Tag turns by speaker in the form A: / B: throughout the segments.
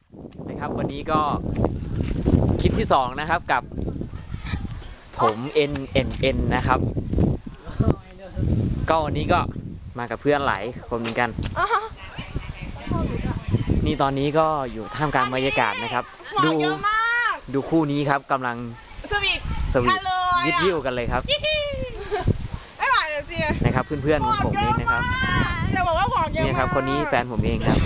A: นะครับวันนี้ก็คลิปที่2นะครับกับผม NNN นะครับก็วันนี้ก็มากับเพื่อนหลายคนเหมือนกันนี่ตอนนี้ก็อยู่ท่ามกลางบรรยากาศนะครับดูคู่นี้ครับกำลังสวีทวิดวิวกันเลยครับ
B: ไม่ไหวเลยสิ
A: นะครับเพื่อนๆของผมเองนะครับ
B: จะบอกว่าหวานเยอะมาก
A: นี่ครับคนนี้แฟนผมเองครับ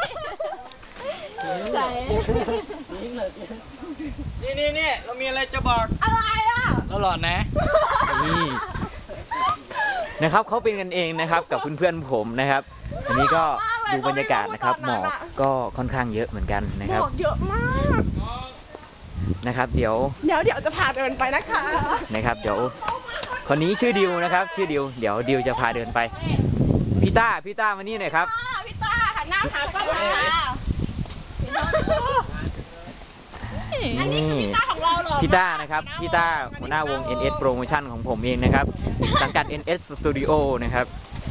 C: นี่เรามีอะไรจะบอก
B: อะไรอ่ะ
C: เราหลอดนะ
A: นี่นะครับเขาเป็นกันเองนะครับกับเพื่อนๆผมนะครับอันนี้ก็ดูบรรยากาศนะครับหมอกก็ค่อนข้างเยอะเหมือนกันนะครับ
B: หมอกเยอะมาก
A: นะครับเดี๋ยว
B: จะพาเดินไปนะคะ
A: นะครับเดี๋ยวคนนี้ชื่อดิวนะครับชื่อดิวเดี๋ยวดิวจะพาเดินไปพี่ต้ามานี่หน่อยครับ
B: พี่ต้าหันหน้าหากล้องมาอันนี้คือพี่ต้าของเราเหรอ
A: พี่ต้านะครับพี่ต้าหัวหน้าวง NS Promotion ของผมเองนะครับสังกัด NS Studio นะครับ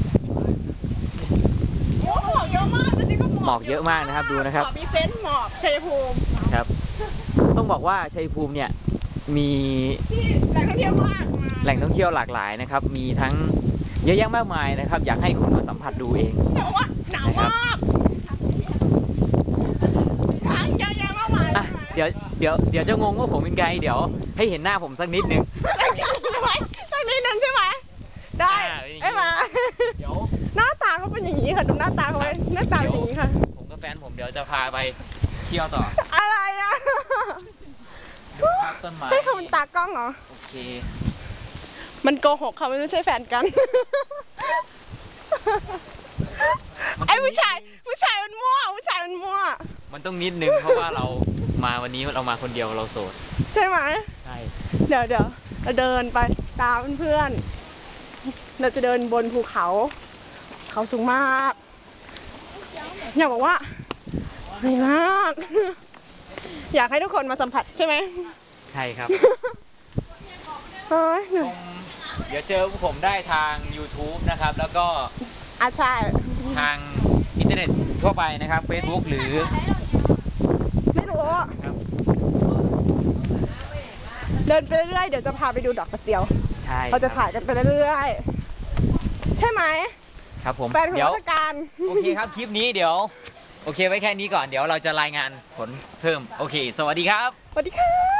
B: หมอกเยอะมากจริงๆก็
A: หมอกเยอะมากนะครับดูนะครับ
B: มีเซนต์หมอกชัยภูมิ
A: ครับต้องบอกว่าชัยภูมิเนี่ยมี
B: แหล่งท่องเที่ยวมาก
A: แหล่งท่องเที่ยวหลากหลายนะครับมีทั้งเยอะแยะมากมายนะครับอยากให้คุณมาสัมผัสดูเอง
B: แต่ว่าหนาวมากเยอะแยะมากมาย
A: เดี๋ยวจะงงว่าผมเป็นไงเดี๋ยวให้เห็นหน้าผมสักนิดนึง
B: สักนิดนึงใช่ไหมได้ไอ้มา
A: เดี๋ยว
B: หน้าตาเขาเป็นอย่างนี้ค่ะดูหน้าตาเขาไว้หน้าตาเป็นอย่างนี้ค่ะ
A: ผมกับแฟนผมเดี๋ยวจะพาไปเที่ยวต่อ
B: อะไรอ่ะ
A: ดูภาพต้นไม้
B: ให้เขาเป็นตากล้องเหรอ
A: โอเค
B: มันโกหกเขาไม่ใช่แฟนกันไอ้ผู้ชายมันมั่ว
A: มันต้องนิดนึงเพราะว่าเรามาวันนี้เรามาคนเดียวเราโสด
B: ใช่ไหม
A: ใช่
B: เดี๋ยวเราเดินไปตามเพื่อนเราจะเดินบนภูเขาสูงมากอยากบอกว่าดีมากอยากให้ทุกคนมาสัมผัสใช่ไหม
A: ใช่ครับ
B: ชม
A: เดี๋ยวเจอผมได้ทาง YouTube นะครับแล้วก็
B: ใช่
A: ทางอินเทอร์เน็ตทั่วไปนะครับ Facebook หรือ
B: ไม่รู้เดินไปเรื่อยๆเดี๋ยวจะพาไปดูดอกกระเจียว
A: ใช่
B: เราจะถ่ายกันไปเรื่อยๆใช่ไหม
A: ครับผม
B: แฟนของราชการ
A: โอเคครับคลิปนี้เดี๋ยวโอเคไว้แค่นี้ก่อนเดี๋ยวเราจะรายงานผลเพิ่มโอเคสวัสดีครับ
B: สวัสดีค่ะ